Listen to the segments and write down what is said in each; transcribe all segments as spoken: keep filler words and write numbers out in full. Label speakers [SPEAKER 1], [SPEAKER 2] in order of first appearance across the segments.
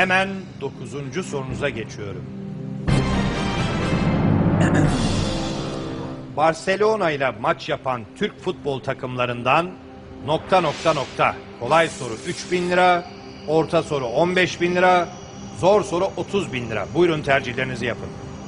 [SPEAKER 1] Hemen dokuzuncu sorunuza geçiyorum. Barcelona ile maç yapan Türk futbol takımlarından nokta nokta nokta. Kolay soru üç bin lira, orta soru on beş bin lira, zor soru otuz bin lira. Buyurun tercihlerinizi yapın.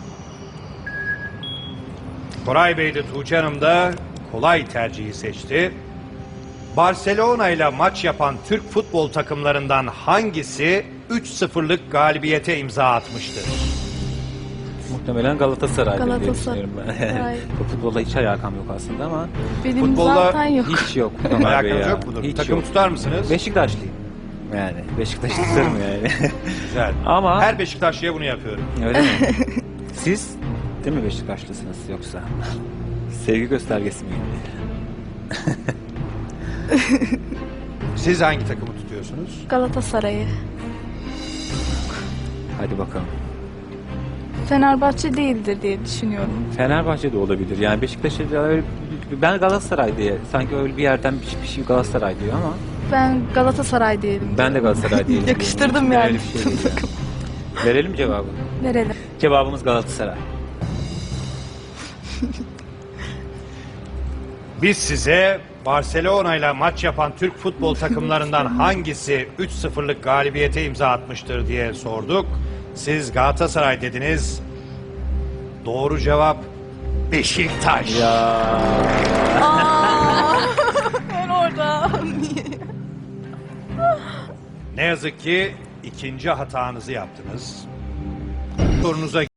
[SPEAKER 1] Koray Bey de Tuğçe Hanım da kolay tercihi seçti. Barcelona ile maç yapan Türk futbol takımlarından hangisi üç sıfırlık galibiyete imza atmıştır?
[SPEAKER 2] Muhtemelen Galatasaray diye
[SPEAKER 3] Galatasaray.
[SPEAKER 2] düşünüyorum ben. Futbolla hiç alakam yok aslında ama
[SPEAKER 3] Benim
[SPEAKER 1] Futbolla
[SPEAKER 3] zaten yok.
[SPEAKER 2] hiç yok. Ömer Bey
[SPEAKER 1] Alakanız
[SPEAKER 2] ya.
[SPEAKER 1] yok mudur?
[SPEAKER 2] Hiç
[SPEAKER 1] Takım
[SPEAKER 2] yok.
[SPEAKER 1] tutar mısınız?
[SPEAKER 2] Beşiktaşlıyım. Yani Beşiktaş tutarım yani.
[SPEAKER 1] Güzel.
[SPEAKER 2] Ama
[SPEAKER 1] Her Beşiktaşlı'ya bunu yapıyorum.
[SPEAKER 2] öyle mi? Siz değil mi Beşiktaşlısınız yoksa? Sevgi göstergesi miydi?
[SPEAKER 1] Siz hangi takımı tutuyorsunuz?
[SPEAKER 3] Galatasaray'ı.
[SPEAKER 2] Hadi bakalım.
[SPEAKER 3] Fenerbahçe değildir diye düşünüyorum.
[SPEAKER 2] Fenerbahçe de olabilir. Yani Beşiktaş'ı da öyle ben Galatasaray diye sanki öyle bir yerden bir, bir şey Galatasaray diyor ama
[SPEAKER 3] Ben Galatasaray diyelim.
[SPEAKER 2] ben de Galatasaray diye.
[SPEAKER 3] Yakıştırdım
[SPEAKER 2] Öyle
[SPEAKER 3] yani.
[SPEAKER 2] bir şey değil yani. Verelim cevabı.
[SPEAKER 3] Verelim.
[SPEAKER 2] Cevabımız Galatasaray.
[SPEAKER 1] Biz size Barcelona ile maç yapan Türk futbol takımlarından hangisi üç sıfırlık galibiyete imza atmıştır diye sorduk. Siz Galatasaray dediniz. Doğru cevap Beşiktaş.
[SPEAKER 2] Ya.
[SPEAKER 3] Ben orada.
[SPEAKER 1] Ne yazık ki ikinci hatanızı yaptınız. Sorunuza